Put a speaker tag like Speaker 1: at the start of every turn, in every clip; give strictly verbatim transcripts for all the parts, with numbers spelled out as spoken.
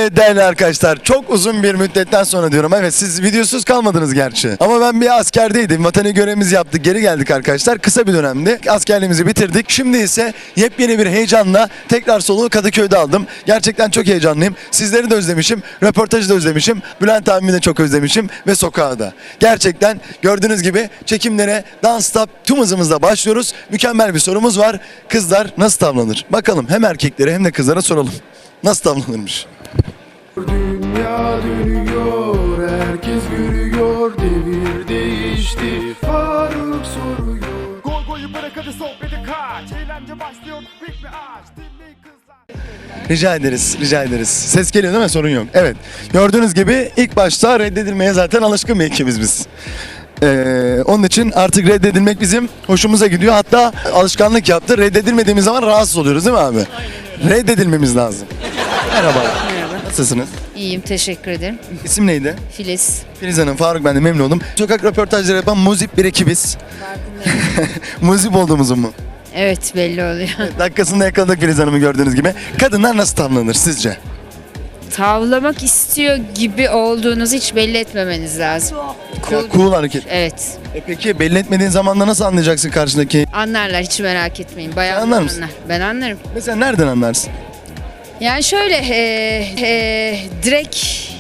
Speaker 1: Evet değerli arkadaşlar, çok uzun bir müddetten sonra diyorum. Evet, siz videosuz kalmadınız gerçi. Ama ben bir askerdeydim. Vatani görevimizi yaptık. Geri geldik arkadaşlar. Kısa bir dönemdi. Askerliğimizi bitirdik. Şimdi ise yepyeni bir heyecanla tekrar soluğu Kadıköy'de aldım. Gerçekten çok heyecanlıyım. Sizleri de özlemişim. Röportajı da özlemişim. Bülent abimi de çok özlemişim. Ve sokağı da. Gerçekten gördüğünüz gibi çekimlere dans stop tüm hızımızla başlıyoruz. Mükemmel bir sorumuz var. Kızlar nasıl tavlanır? Bakalım hem erkeklere hem de kızlara soralım. Nasıl tavlanırmış?
Speaker 2: Dünya dönüyor, herkes görüyor, devir değişti, Faruk soruyor.
Speaker 3: Gol golü bırak hadi sohbeti kaç. Eğlence başlıyor, büyük bir ağaç. Dinleyin kızlar.
Speaker 1: Rica ederiz, rica ederiz. Ses geliyor değil mi? Sorun yok. Evet. Gördüğünüz gibi ilk başta reddedilmeye zaten alışkın bir ekibiz biz. Ee, onun için artık reddedilmek bizim hoşumuza gidiyor. Hatta alışkanlık yaptı. Reddedilmediğimiz zaman rahatsız oluyoruz değil mi abi? Reddedilmemiz lazım. Merhaba.
Speaker 4: Merhaba.
Speaker 1: Nasılsınız?
Speaker 4: İyiyim, teşekkür ederim.
Speaker 1: İsim neydi?
Speaker 4: Filiz.
Speaker 1: Filiz Hanım, Faruk, ben de memnun oldum. Sokak röportajları yapan muzip bir ekibiz. Muzip olduğumuzu mu?
Speaker 4: Evet, belli oluyor.
Speaker 1: Dakikasında yakaladık Filiz Hanım'ı gördüğünüz gibi. Kadınlar nasıl tavlanır sizce?
Speaker 4: Tavlamak istiyor gibi olduğunuzu hiç belli etmemeniz lazım.
Speaker 1: Ya,
Speaker 4: Cool.
Speaker 1: cool hareket.
Speaker 4: Evet.
Speaker 1: E peki belli etmediğin zamanda nasıl anlayacaksın karşındaki?
Speaker 4: Anlarlar, hiç merak etmeyin. Bayağı
Speaker 1: Sen anlar mısın?
Speaker 4: anlar. Ben anlarım.
Speaker 1: Mesela nereden anlarsın?
Speaker 4: Yani şöyle, e, e, direkt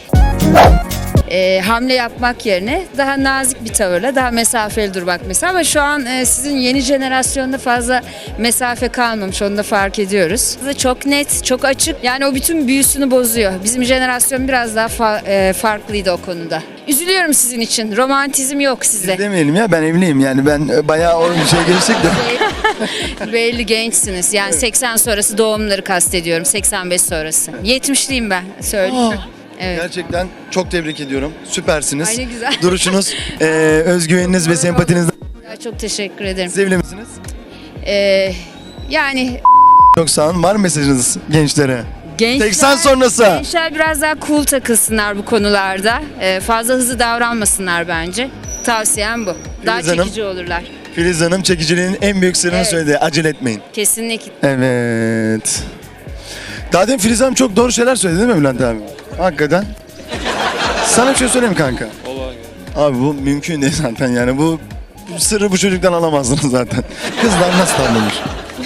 Speaker 4: e, hamle yapmak yerine daha nazik bir tavırla, daha mesafeli durmak mesela. Ama şu an e, sizin yeni jenerasyonda fazla mesafe kalmamış, onu da fark ediyoruz. Çok net, çok açık. Yani o bütün büyüsünü bozuyor. Bizim jenerasyon biraz daha fa- e, farklıydı o konuda. Üzülüyorum sizin için. Romantizm yok sizde.
Speaker 1: Demeyelim ya, ben evliyim yani, ben e, bayağı o bir şey geçtik de.
Speaker 4: Belli gençsiniz. Yani seksen sonrası doğumları kastediyorum. seksen beş sonrası. yetmişliyim ben. Söyleyeyim.
Speaker 1: Aa,
Speaker 4: Evet.
Speaker 1: Gerçekten çok tebrik ediyorum. Süpersiniz.
Speaker 4: Ay ne güzel.
Speaker 1: Duruşunuz, e, özgüveniniz ve sempatiniz.
Speaker 4: Ya çok teşekkür ederim.
Speaker 1: Siz evli misiniz?
Speaker 4: Ee, yani
Speaker 1: Çok sağ olun. Var mı mesajınız gençlere?
Speaker 4: gençler,
Speaker 1: seksen sonrası.
Speaker 4: gençler biraz daha cool takılsınlar bu konularda. Ee, fazla hızlı davranmasınlar bence. Tavsiyem bu. Daha
Speaker 1: Filiz Hanım.
Speaker 4: çekici olurlar.
Speaker 1: Filiz Hanım çekiciliğin en büyük sırrını
Speaker 4: Evet.
Speaker 1: söyledi. Acele etmeyin.
Speaker 4: Kesinlikle.
Speaker 1: Evet. Daha demin Filiz Hanım çok doğru şeyler söyledi değil mi Bülent abi? Hakikaten. Sana bir şey söyleyeyim kanka. Abi bu mümkün değil zaten yani, bu bu sırrı bu çocuktan alamazsınız zaten. Kızlar nasıl tavlanır?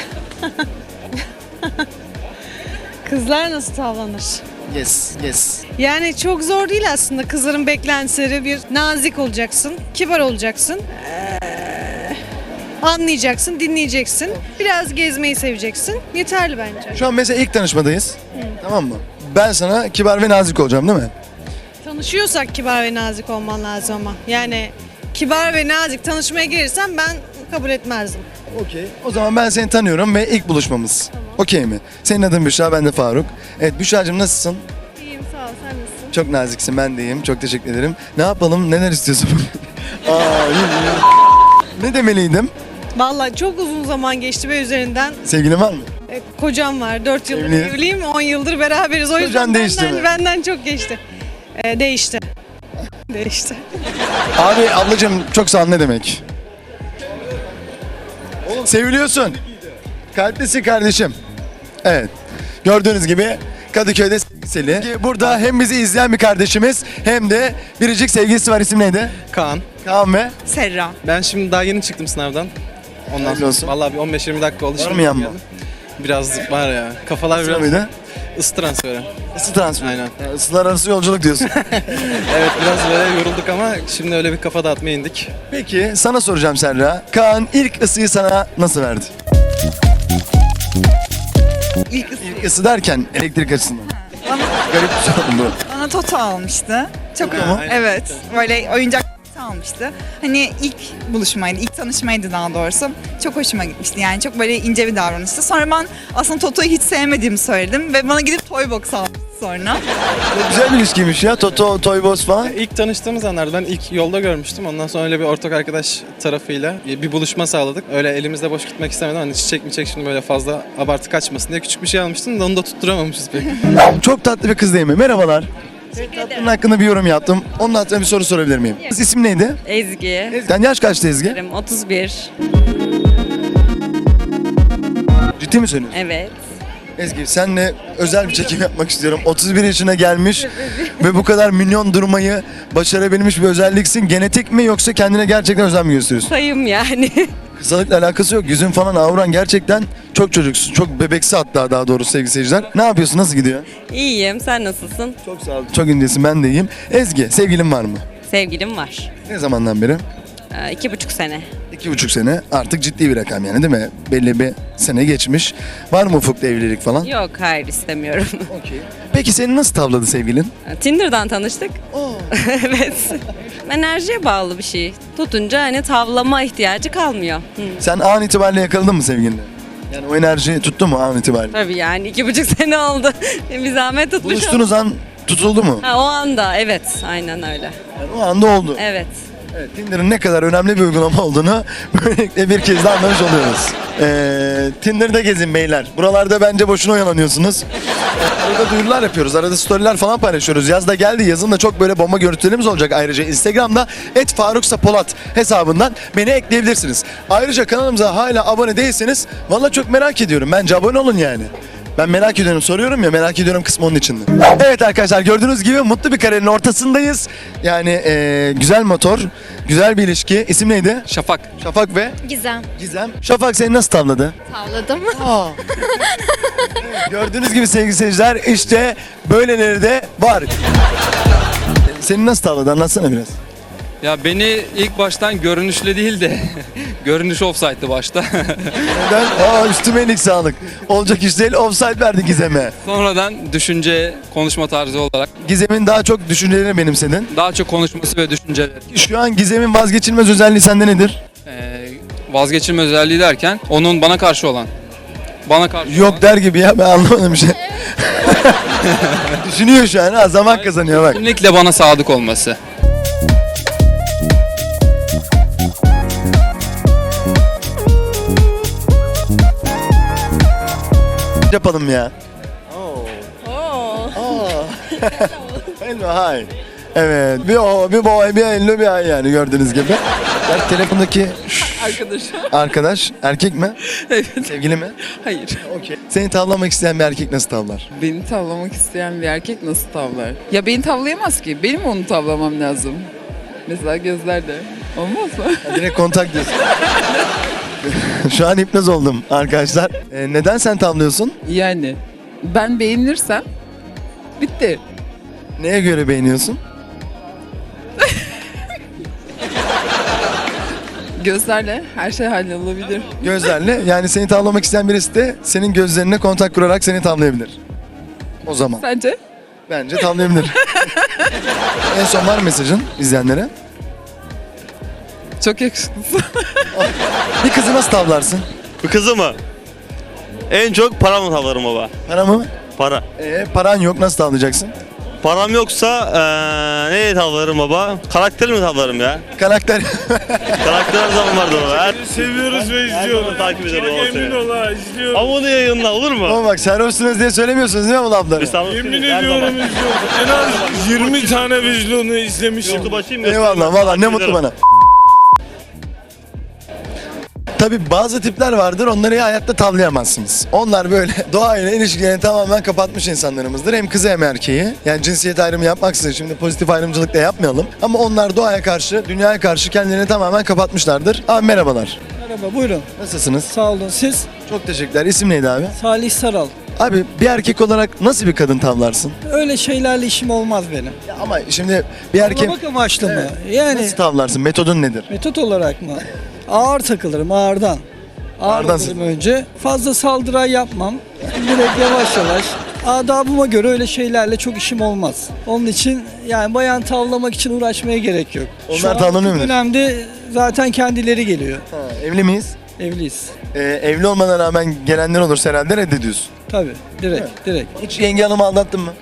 Speaker 5: Kızlar nasıl tavlanır?
Speaker 1: Yes, yes.
Speaker 5: Yani çok zor değil aslında. Kızların beklentileri bir nazik olacaksın, kibar olacaksın. Ee, anlayacaksın, dinleyeceksin. Biraz gezmeyi seveceksin. Yeterli bence.
Speaker 1: Şu an mesela ilk tanışmadayız. Tamam mı? Ben sana kibar ve nazik olacağım değil mi?
Speaker 5: Tanışıyorsak kibar ve nazik olman lazım ama. Yani kibar ve nazik tanışmaya girirsen ben kabul etmezdim.
Speaker 1: Okey. O zaman ben seni tanıyorum ve ilk buluşmamız. Okey mi? Senin adın Büşra, ben de Faruk. Evet Büşra'cığım, nasılsın?
Speaker 5: İyiyim, sağ ol. Sen nasılsın?
Speaker 1: Çok naziksin, ben de iyiyim. Çok teşekkür ederim. Ne yapalım? Neler istiyorsun? Aa, iyi, iyi. Ne demeliydim?
Speaker 5: Vallahi çok uzun zaman geçti ve üzerinden
Speaker 1: Sevgilin var mı?
Speaker 5: e, kocam var. dört yıldır
Speaker 1: Evli.
Speaker 5: evliyim, on yıldır beraberiz. O
Speaker 1: Kocan
Speaker 5: yüzden
Speaker 1: değişti
Speaker 5: benden,
Speaker 1: mi?
Speaker 5: benden çok geçti. E, değişti. Değişti.
Speaker 1: Abi ablacığım çok sağ ol, ne demek? Seviliyorsun. Kalplisin kardeşim. Evet. Gördüğünüz gibi Kadıköy'de sevgili. Burada hem bizi izleyen bir kardeşimiz hem de biricik sevgilisi var. İsim neydi?
Speaker 6: Kaan.
Speaker 1: Kaan ve
Speaker 5: Serra.
Speaker 6: Ben şimdi daha yeni çıktım sınavdan. Ondan
Speaker 1: Hayırlı
Speaker 6: sonra
Speaker 1: olsun.
Speaker 6: vallahi bir on beş yirmi dakika oldu.
Speaker 1: Var
Speaker 6: şimdi
Speaker 1: mı yanma?
Speaker 6: geldim. Biraz var ya. Kafalar
Speaker 1: Sıra
Speaker 6: biraz
Speaker 1: mıydı?
Speaker 6: ısı transferi.
Speaker 1: Isı transferi.
Speaker 6: Aynen.
Speaker 1: Yani ısılar arası yolculuk diyorsun.
Speaker 6: Evet biraz böyle yorulduk ama şimdi öyle bir kafa dağıtmaya indik.
Speaker 1: Peki sana soracağım Serra. Kaan ilk ısıyı sana nasıl verdi?
Speaker 7: İlk ısı
Speaker 1: İlk ısı derken elektrik açısından. Garip bir şey oldu.
Speaker 7: bana Toto almıştı. Çok
Speaker 1: Toto mu?
Speaker 7: evet. Böyle oyuncak almıştı. Hani ilk buluşmaydı, ilk tanışmaydı daha doğrusu. Çok hoşuma gitmişti yani çok böyle ince bir davranıştı. Sonra ben aslında Toto'yu hiç sevmediğimi söyledim ve bana gidip toy box almıştı sonra.
Speaker 1: Çok güzel bir ilişkiymiş ya. Toto, Toy Boss falan.
Speaker 6: İlk tanıştığımız anlarda ben ilk yolda görmüştüm. Ondan sonra öyle bir ortak arkadaş tarafıyla bir buluşma sağladık. Öyle elimizde boş gitmek istemedim. Hani çiçek mi çek şimdi böyle fazla abartı kaçmasın diye küçük bir şey almıştım da onu da tutturamamışız pek.
Speaker 1: Çok tatlı bir kız değil mi? Merhabalar. Tatlının hakkında bir yorum yaptım. Onun hakkında bir soru sorabilir miyim? İsim neydi?
Speaker 8: Ezgi.
Speaker 1: Sen yaş kaçtı Ezgi?
Speaker 8: otuz bir.
Speaker 1: Ciddi mi söylüyorsun?
Speaker 8: Evet.
Speaker 1: Ezgi senle özel bir çekim yapmak istiyorum. otuz bir yaşına gelmiş ve bu kadar minyon durmayı başarabilmiş bir özelliksin. Genetik mi yoksa kendine gerçekten özen mi gösteriyorsun?
Speaker 8: Sayım yani.
Speaker 1: Kısalıkla alakası yok. Yüzün falan avran gerçekten çok çocuksun. Çok bebeksi hatta daha doğrusu sevgili seyirciler. Ne yapıyorsun? Nasıl gidiyor?
Speaker 8: İyiyim. Sen nasılsın?
Speaker 1: Çok sağ ol. Çok incesin, ben de iyiyim. Ezgi sevgilin var mı?
Speaker 8: Sevgilim var.
Speaker 1: Ne zamandan beri?
Speaker 8: Ee, iki buçuk sene.
Speaker 1: İki buçuk sene. Artık ciddi bir rakam yani değil mi? Belli bir sene geçmiş. Var mı ufukta evlilik falan?
Speaker 8: Yok, hayır istemiyorum.
Speaker 1: Okey. Peki seni nasıl tavladı sevgilin?
Speaker 8: Tinder'dan tanıştık. Evet. Enerjiye bağlı bir şey. Tutunca hani tavlama ihtiyacı kalmıyor. Hı.
Speaker 1: Sen an itibariyle yakaladın mı sevgilinle? Yani o enerji tuttu mu an itibariyle?
Speaker 8: Tabii yani iki buçuk sene oldu. Bir zahmet tutmuş.
Speaker 1: Buluştuğunuz an tutuldu mu?
Speaker 8: Ha, o anda evet. Aynen öyle.
Speaker 1: Yani o anda oldu.
Speaker 8: Evet.
Speaker 1: Evet, Tinder'ın ne kadar önemli bir uygulama olduğunu böylelikle bir kez daha anlamış oluyoruz. Ee, Tinder'da gezin beyler. Buralarda bence boşuna oyalanıyorsunuz. Arada duyurular yapıyoruz. Arada storyler falan paylaşıyoruz. Yaz da geldi. Yazın da çok böyle bomba görüntülerimiz olacak. Ayrıca Instagram'da et faruksapolat hesabından beni ekleyebilirsiniz. Ayrıca kanalımıza hala abone değilseniz valla çok merak ediyorum. Bence abone olun yani. Ben merak ediyorum, soruyorum ya, merak ediyorum kısmı onun içinde. Evet arkadaşlar, gördüğünüz gibi mutlu bir kariyerin ortasındayız. Yani eee, güzel motor, güzel bir ilişki. İsim neydi?
Speaker 6: Şafak.
Speaker 1: Şafak ve
Speaker 9: Gizem.
Speaker 1: Gizem. Şafak seni nasıl tavladı?
Speaker 9: Tavladım.
Speaker 1: Aa. Evet, gördüğünüz gibi sevgili seyirciler, işte böyleleri de var. Seni nasıl tavladı? Anlatsana biraz.
Speaker 10: Ya beni ilk baştan görünüşle değil de görünüş offside'dı başta.
Speaker 1: Neden? Aa, üstüme iyilik sağlık. Olacak iş değil, offside verdi Gizem'e.
Speaker 10: Sonradan düşünce, konuşma tarzı olarak
Speaker 1: Gizem'in daha çok düşüncelerini benimsedin.
Speaker 10: daha çok konuşması ve düşünceleri.
Speaker 1: Şu an Gizem'in vazgeçilmez özelliği sende nedir?
Speaker 10: Ee, vazgeçilme özelliği derken onun bana karşı olan. Bana karşı olan.
Speaker 1: Yok der gibi ya, ben anlamadım bir şey. Düşünüyor şu an, ha, zaman kazanıyor bak.
Speaker 10: Kesinlikle bana sadık olması.
Speaker 1: Yapalım ya. Hello, hi. Evet, bir o, bir boy, bir hello, bir ay yani gördüğünüz gibi. Ya, telefondaki
Speaker 11: Arkadaş.
Speaker 1: arkadaş erkek mi?
Speaker 11: Evet.
Speaker 1: Sevgili mi?
Speaker 11: Hayır.
Speaker 1: Okey. Seni tavlamak isteyen bir erkek nasıl tavlar?
Speaker 11: Beni tavlamak isteyen bir erkek nasıl tavlar? Ya beni tavlayamaz ki. Benim onu tavlamam lazım. Mesela gözlerde. Olmaz mı?
Speaker 1: Ha, direkt kontak diyorsun. Şu an hipnoz oldum arkadaşlar. Ee, neden sen tavlıyorsun?
Speaker 11: Yani ben beğenirsem bitti.
Speaker 1: Neye göre beğeniyorsun?
Speaker 11: Gözlerle her şey hallolabilir.
Speaker 1: Gözlerle. Yani seni tavlamak isteyen birisi de senin gözlerine kontak kurarak seni tavlayabilir. O zaman.
Speaker 11: Sence?
Speaker 1: Bence tavlayabilir. En son var mesajın izleyenlere.
Speaker 11: Çok yakışıklısın.
Speaker 1: Bir kızı nasıl tavlarsın?
Speaker 12: Bu kızı mı? En çok paramla tavlarım baba.
Speaker 1: Para mı?
Speaker 12: Para.
Speaker 1: Ee, paran yok, nasıl tavlayacaksın?
Speaker 12: Param yoksa eee neye tavlarım baba? Karakter mi tavlarım ya?
Speaker 1: Karakter.
Speaker 12: Karakter her zaman vardır baba. Her...
Speaker 13: Seviyoruz ve izliyoruz.
Speaker 12: takip ediyorum baba
Speaker 13: Çok emin
Speaker 12: seni.
Speaker 13: ol ha, izliyoruz.
Speaker 12: Ama bunu yayınla olur mu?
Speaker 1: Ama bak sarhoşsunuz diye söylemiyorsunuz değil mi bu lafları?
Speaker 12: Estağfurullah.
Speaker 13: Yemin
Speaker 12: Her
Speaker 13: ediyorum
Speaker 12: zaman.
Speaker 13: izliyoruz. En az yirmi tane vizyonu izlemişim.
Speaker 12: YouTube açayım mı?
Speaker 1: Eyvallah, valla ne
Speaker 12: Takip
Speaker 1: mutlu
Speaker 12: ederim.
Speaker 1: bana. Tabii bazı tipler vardır, onları hayatta tavlayamazsınız. Onlar böyle doğayla ilişkilerini tamamen kapatmış insanlarımızdır. Hem kızı hem erkeği. Yani cinsiyet ayrımı yapmaksızın, şimdi pozitif ayrımcılık da yapmayalım. Ama onlar doğaya karşı, dünyaya karşı kendilerini tamamen kapatmışlardır. Abi merhabalar.
Speaker 14: Merhaba, buyurun.
Speaker 1: Nasılsınız?
Speaker 14: Sağ olun. Siz?
Speaker 1: Çok teşekkürler. İsim neydi abi?
Speaker 14: Salih Saral.
Speaker 1: Abi bir erkek olarak nasıl bir kadın tavlarsın?
Speaker 14: Öyle şeylerle işim olmaz benim.
Speaker 1: Ya ama şimdi bir erkek
Speaker 14: Tavlamak amaçlı mı? Yani
Speaker 1: nasıl tavlarsın? Metodun nedir?
Speaker 14: metot olarak mı? Ağır takılırım, ağırdan. Ağır
Speaker 1: Ağırdan
Speaker 14: olurum önce. Fazla saldıray yapmam. Direkt yavaş yavaş. Adabıma göre öyle şeylerle çok işim olmaz. Onun için yani bayan tavlamak için uğraşmaya gerek yok.
Speaker 1: Onlar
Speaker 14: Şu an
Speaker 1: tavlanıyor
Speaker 14: bu
Speaker 1: mu?
Speaker 14: dönemde zaten kendileri geliyor.
Speaker 1: Ha, evli miyiz?
Speaker 14: Evliyiz.
Speaker 1: Ee, evli olmana rağmen gelenler olursa herhalde reddediyorsun.
Speaker 14: Tabii. Direkt, direkt.
Speaker 1: Hiç yenge hanımı aldattın mı?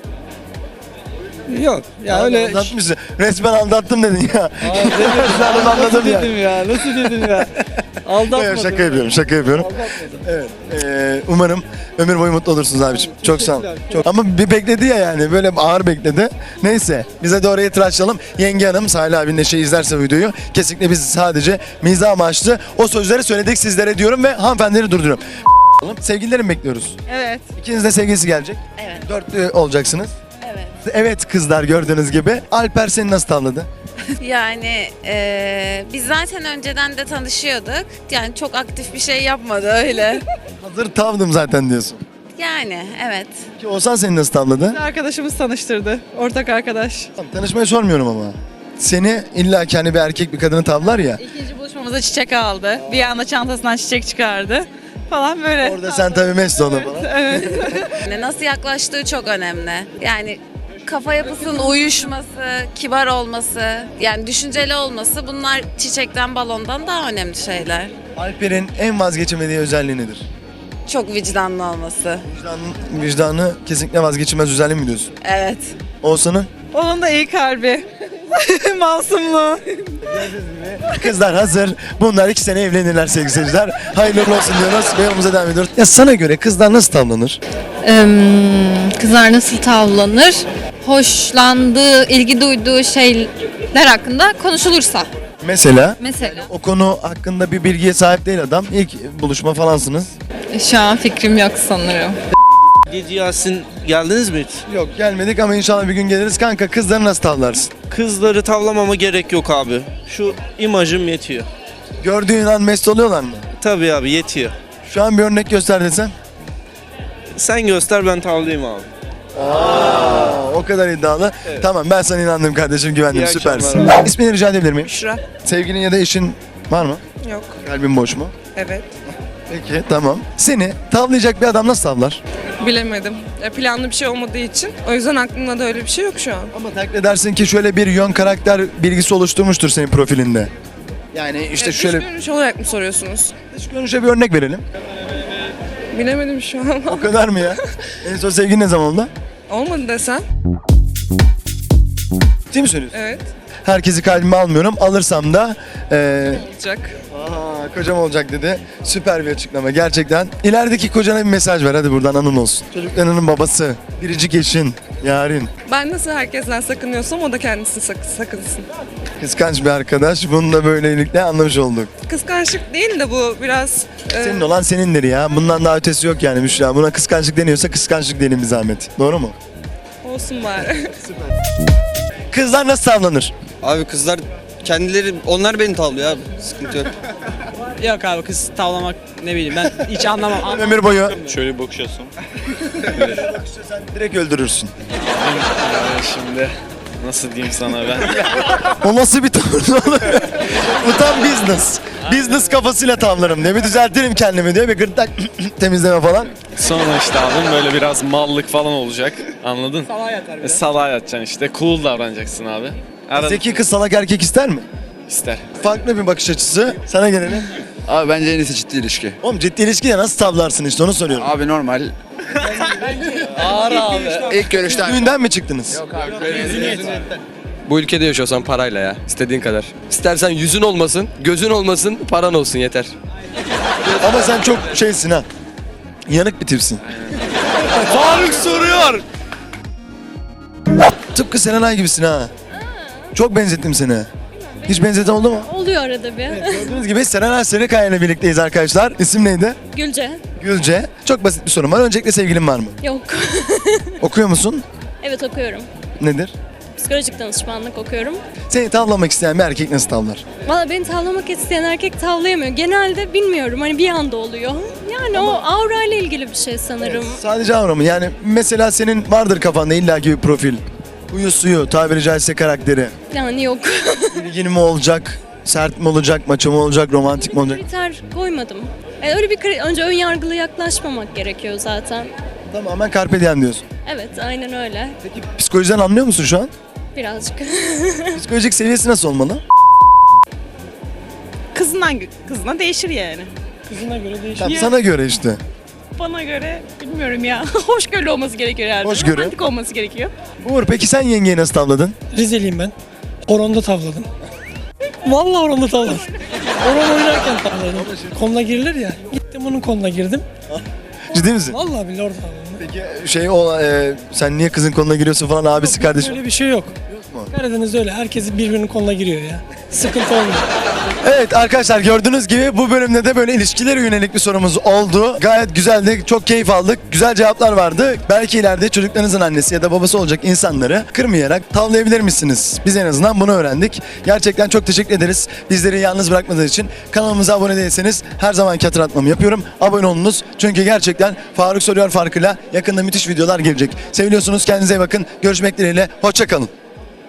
Speaker 14: Yok. Ya öyle...
Speaker 1: Aldatmışsın. Resmen aldattım dedin ya.
Speaker 14: Aa, dedim,
Speaker 1: Şu an onu anladım
Speaker 14: nasıl
Speaker 1: ya.
Speaker 14: dedim ya? Nasıl dedim ya? Aldatmadım.
Speaker 1: Evet, şaka yapıyorum, şaka yapıyorum.
Speaker 14: Aldatmadım.
Speaker 1: Evet. Ee, umarım ömür boyu mutlu olursunuz abiciğim. Çok sağ ol.
Speaker 14: Teşekkürler.
Speaker 1: Çok. Ama bir bekledi ya yani, böyle ağır bekledi. Neyse, bize de oraya tıraşlayalım. Yenge hanım, Salih abinin de şey izlerse videoyu, kesinlikle biz sadece mizah amaçlı o sözleri söyledik sizlere diyorum ve hanımefendileri durduruyorum. Sevgililerim bekliyoruz.
Speaker 5: Evet.
Speaker 1: İkiniz de sevgilisi gelecek.
Speaker 4: Evet.
Speaker 1: Dörtlü olacaksınız.
Speaker 4: Evet.
Speaker 1: Evet kızlar gördüğünüz gibi. Alper seni nasıl tavladı?
Speaker 8: Yani eee, biz zaten önceden de tanışıyorduk. Yani çok aktif bir şey yapmadı öyle.
Speaker 1: Hazır tavdım zaten diyorsun.
Speaker 8: Yani evet.
Speaker 1: Ki Oğuzhan seni nasıl tavladı?
Speaker 5: Arkadaşımız tanıştırdı. Ortak arkadaş.
Speaker 1: Tamam, tanışmayı sormuyorum ama. Seni illa ki hani bir erkek bir kadını tavlar ya.
Speaker 5: İkinci buluşmamızda çiçek aldı. Bir anda çantasından çiçek çıkardı. Falan böyle.
Speaker 1: Orada sen tabii mest onu falan.
Speaker 5: Evet.
Speaker 8: Yani nasıl yaklaştığı çok önemli. Yani kafa yapısının uyuşması, kibar olması, yani düşünceli olması bunlar çiçekten, balondan daha önemli şeyler.
Speaker 1: Alper'in en vazgeçemediği özelliği nedir?
Speaker 8: Çok vicdanlı olması.
Speaker 1: Vicdanı, vicdanı kesinlikle vazgeçilmez özelliği mi diyorsun?
Speaker 8: Evet.
Speaker 1: Oğuzhan'ın?
Speaker 5: Onun da iyi kalbi. Masumluğu.
Speaker 1: Kızlar hazır. Bunlar iki sene evlenirler sevgili seyirciler. Hayırlı uğurlu olsun diyoruz ve yolumuza devam ediyoruz. Ya sana göre kızlar nasıl tavlanır?
Speaker 5: Kızlar nasıl tavlanır? Hoşlandığı, ilgi duyduğu şeyler hakkında konuşulursa.
Speaker 1: Mesela
Speaker 5: Mesela.
Speaker 1: o konu hakkında bir bilgiye sahip değil adam. İlk buluşma falansınız.
Speaker 5: Şu an fikrim yok sanırım.
Speaker 12: Gece Yasin geldiniz mi hiç?
Speaker 1: Yok gelmedik ama inşallah bir gün geliriz. Kanka kızları nasıl tavlarsın?
Speaker 12: Kızları tavlamama gerek yok abi. Şu imajım yetiyor.
Speaker 1: Gördüğün an mest oluyorlar mı?
Speaker 12: Tabii abi yetiyor.
Speaker 1: Şu an bir örnek göster desem.
Speaker 12: Sen göster ben tavlayayım abi.
Speaker 1: Aa, o kadar iddialı. Tamam ben sana inandım kardeşim güvendim
Speaker 12: İyi
Speaker 1: süpersin.
Speaker 12: akşamlar
Speaker 1: İsmini rica edebilir miyim?
Speaker 5: Şura.
Speaker 1: Sevgilin ya da eşin var mı?
Speaker 5: Yok.
Speaker 1: Kalbin boş mu?
Speaker 5: Evet.
Speaker 1: Peki tamam. Seni tavlayacak bir adam nasıl tavlar?
Speaker 5: Bilemedim. Planlı bir şey olmadığı için. O yüzden aklımda da öyle bir şey yok şu an.
Speaker 1: Ama takdir edersin ki şöyle bir yön karakter bilgisi oluşturmuştur senin profilinde. Yani işte şöyle
Speaker 5: görünüş olarak mı soruyorsunuz?
Speaker 1: dış görünüşe bir örnek verelim.
Speaker 5: Bilemedim şu an.
Speaker 1: O kadar mı ya? En son sevgilin ne zaman oldu?
Speaker 5: Olmadı desen.
Speaker 1: Ciddi mi söylüyorsun?
Speaker 5: Evet.
Speaker 1: Herkesi kalbime almıyorum. Alırsam da eee
Speaker 5: Olacak.
Speaker 1: Aa, kocam olacak dedi. Süper bir açıklama gerçekten. İlerideki kocana bir mesaj ver hadi buradan anın olsun. Çocuklarının babası, biricik eşin, yarın.
Speaker 5: Ben nasıl herkesten sakınıyorsam o da kendisi sak- sakınsın.
Speaker 1: Kıskanç bir arkadaş. Bunu da böylelikle anlamış olduk.
Speaker 5: Kıskançlık değil de bu biraz... e,
Speaker 1: Senin olan senindir ya. Bundan daha ötesi yok yani Müşra. Buna kıskançlık deniyorsa kıskançlık diyelim bir zahmet. Doğru mu?
Speaker 5: olsun bari.
Speaker 1: Kızlar nasıl tavlanır?
Speaker 12: Abi kızlar kendileri onlar beni tavlıyor abi. Sıkıntı yok.
Speaker 14: Yok abi kız tavlamak ne bileyim ben hiç anlamam.
Speaker 1: Ömür boyu
Speaker 13: Şöyle bir bakışıyorsun.
Speaker 1: direkt öldürürsün.
Speaker 13: Şimdi nasıl diyeyim sana ben?
Speaker 1: O nasıl bir tavır olur? Bu tam business. Business kafasıyla tavlarım diye. Bir düzeltirim kendimi diye bir gırtlak temizleme falan.
Speaker 13: Sonra işte abim böyle biraz mallık falan olacak. Anladın? Salağa yatar. E, salağa yatacaksın işte. Cool davranacaksın abi. Arada
Speaker 1: Zeki kız salak erkek ister mi?
Speaker 13: ister.
Speaker 1: Farklı bir bakış açısı. Sana gelelim.
Speaker 9: Abi bence en iyisi ciddi ilişki.
Speaker 1: Oğlum ciddi ilişkide nasıl tavlarsın işte onu soruyorum.
Speaker 9: Abi normal.
Speaker 12: Ağır abi.
Speaker 9: İlk görüşten.
Speaker 1: Düğünden mi çıktınız?
Speaker 9: Bu ülkede yaşıyorsan parayla ya. İstediğin kadar. İstersen yüzün olmasın, gözün olmasın, paran olsun yeter.
Speaker 1: Ama sen çok şeysin ha. Yanık bir tipsin.
Speaker 12: Faruk soruyor.
Speaker 1: Tıpkı Serenay gibisin ha. Çok benzettim seni. Hiç benzeten oldu mu?
Speaker 5: Oluyor arada bir.
Speaker 1: Gördüğünüz gibi Serenay Sarıkaya ile birlikteyiz arkadaşlar. İsim neydi?
Speaker 5: Gülce.
Speaker 1: Gülce. Çok basit bir sorum var. Öncelikle sevgilin var mı?
Speaker 5: Yok.
Speaker 1: Okuyor musun?
Speaker 5: Evet okuyorum.
Speaker 1: Nedir?
Speaker 5: Psikolojik danışmanlık okuyorum.
Speaker 1: Seni tavlamak isteyen bir erkek nasıl tavlar?
Speaker 5: Valla beni tavlamak isteyen erkek tavlayamıyor. Genelde bilmiyorum hani bir anda oluyor. Yani o aura ile ilgili bir şey sanırım.
Speaker 1: Sadece avra mı? Yani mesela senin vardır kafanda illaki bir profil. Huyu suyu, tabiri caizse karakteri.
Speaker 5: Yani yok.
Speaker 1: İlgin mi olacak? Sert mi olacak? Maço mu olacak? Romantik mi olacak?
Speaker 5: Kriter koymadım. E, öyle bir kri- önce ön yargılı yaklaşmamak gerekiyor zaten.
Speaker 1: Tamamen carpe diem diyorsun.
Speaker 5: Evet aynen öyle.
Speaker 1: Peki psikolojiden anlıyor musun şu an?
Speaker 5: Birazcık.
Speaker 1: Psikolojik seviyesi nasıl olmalı?
Speaker 5: Kızından kızına değişir yani.
Speaker 14: Kızına göre değişiyor.
Speaker 1: Tamam, sana göre işte.
Speaker 5: Bana göre bilmiyorum ya. Hoşgörülü olması gerekiyor herhalde.
Speaker 1: Hoşgörü.
Speaker 5: Romantik olması gerekiyor.
Speaker 1: Uğur peki sen yengeyi nasıl tavladın?
Speaker 14: Rizeliyim ben. Horonda tavladım. Vallahi horonda tavladım. Horon oynarken tavladım. Koluna girilir ya. Gittim onun koluna girdim.
Speaker 1: Ciddi misin?
Speaker 14: Vallahi billahi orada tavladım.
Speaker 1: Peki şey o e, sen niye kızın koluna giriyorsun falan abisi kardeşim?
Speaker 14: Öyle bir şey yok.
Speaker 1: Yok mu?
Speaker 14: Karadeniz'de öyle. Herkes birbirinin koluna giriyor ya. sıkıntı olmayacak.
Speaker 1: Evet arkadaşlar, gördüğünüz gibi bu bölümde de böyle ilişkilere yönelik bir sorumuz oldu. Gayet güzeldi, çok keyif aldık. Güzel cevaplar vardı. Belki ileride çocuklarınızın annesi ya da babası olacak insanları kırmayarak tavlayabilir misiniz? Biz en azından bunu öğrendik. Gerçekten çok teşekkür ederiz. Bizleri yalnız bırakmadığınız için. Kanalımıza abone değilseniz her zamanki hatırlatmamı yapıyorum. Abone olunuz. Çünkü gerçekten Faruk Soruyor farkıyla yakında müthiş videolar gelecek. Seviliyorsunuz. Kendinize iyi bakın. Görüşmek dileğiyle. Hoşça kalın.